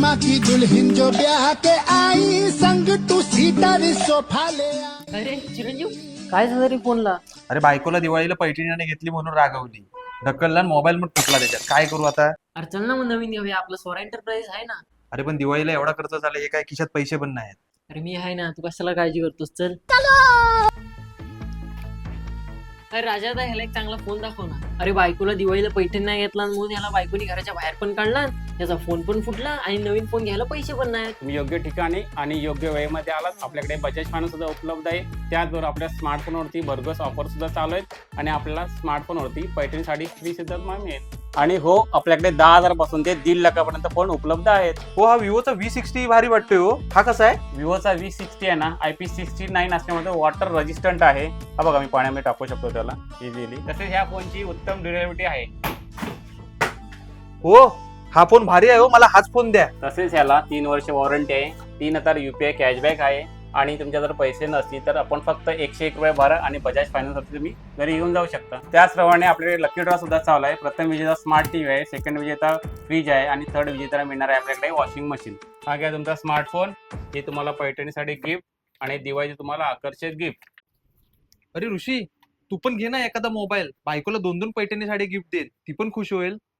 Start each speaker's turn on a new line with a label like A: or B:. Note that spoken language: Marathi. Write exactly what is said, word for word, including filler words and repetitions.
A: मामा की दुल्हन जो ब्याह के आई संग टू सीटर सोफा ले आई।
B: अरे चिरंजीव, काय झालं रे फोनला?
C: अरे बायकोला दिवाळीला पैठणीने घेतली म्हणून रागवली, ढकलला मोबाईल मग फुटला त्याच्यात. काय करू आता?
B: अरे चल ना मग नवीन घेऊया, आपलं स्वरा एंटरप्राइज आहे ना.
C: अरे पण दिवाळीला एवढा खर्च झाला, हे काय खिशात पैसे पण नाहीत.
B: अरे मी आहे ना, तू कशाला काळजी करतोस? चल. अरे राजा, आता ह्याला एक चांगला फोन दाखव ना. अरे बायकोला दिवाळीला पैठण नाही घेतला म्हणून ह्याला बायकोनी घराच्या बाहेर पण काढला, त्याचा फोन पण फुटला आणि नवीन फोन घ्यायला पैसे पण नाहीत.
D: तुम्ही योग्य ठिकाणी आणि योग्य वेळेमध्ये आलात. आपल्याकडे बजाज फायनान्स सुद्धा उपलब्ध आहे. त्याचबरोबर आपल्या स्मार्टफोनवरती भरघोस ऑफर सुद्धा चालू आहेत आणि आपल्याला स्मार्टफोनवरती पैठणी साडी फ्री सुद्धा मिळेल. आणि हो, आपल्याकडे दहा हजार पासून ते दीड लाखापर्यंत फोन उपलब्ध आहेत.
C: हो, हा विवोचा व्ही सिक्स्टी भारी वाटतोय. हो, हा कसा आहे?
D: विवोचा व्ही सिक्स्टी आहे ना, आय पी सिक्स्टी नाईन असल्यामुळे वॉटर रेजिस्टंट आहे. हा बघा, मी पाण्यामध्ये टाकू शकतो त्याला इझिली. तसेच ह्या फोनची उत्तम ड्युरेबिलिटी आहे.
C: हो, हा फोन भारी आहे. हो, मला हाच फोन द्या.
D: तसेच ह्याला तीन वर्ष वॉरंटी आहे, तीन हजार युपीआय कॅशबॅक आहे आणि तुमच्या जर पैसे नसतील तर आपण फक्त एकशे एक रुपये भरा आणि बजाज फायनान्सवरती तुम्ही घरी येऊन जाऊ शकता. त्याचप्रमाणे आपल्याकडे लकी ड्रॉ सुद्धा चालू आहे. प्रथम विजेता स्मार्ट टीव्ही आहे, सेकंड विजेता फ्रीज आहे आणि थर्ड विजेता मिळणार आहे आपल्याकडे वॉशिंग मशीन. हा घ्या तुमचा स्मार्टफोन, हे तुम्हाला पैठणीसाठी गिफ्ट आणि दिवाळीचे तुम्हाला आकर्षक गिफ्ट.
C: अरे ऋषी, तू पण घे ना एखादा मोबाईल. बायकोला दोन दोन पैठणी साडी गिफ्ट दे, ती पण खुश होईल.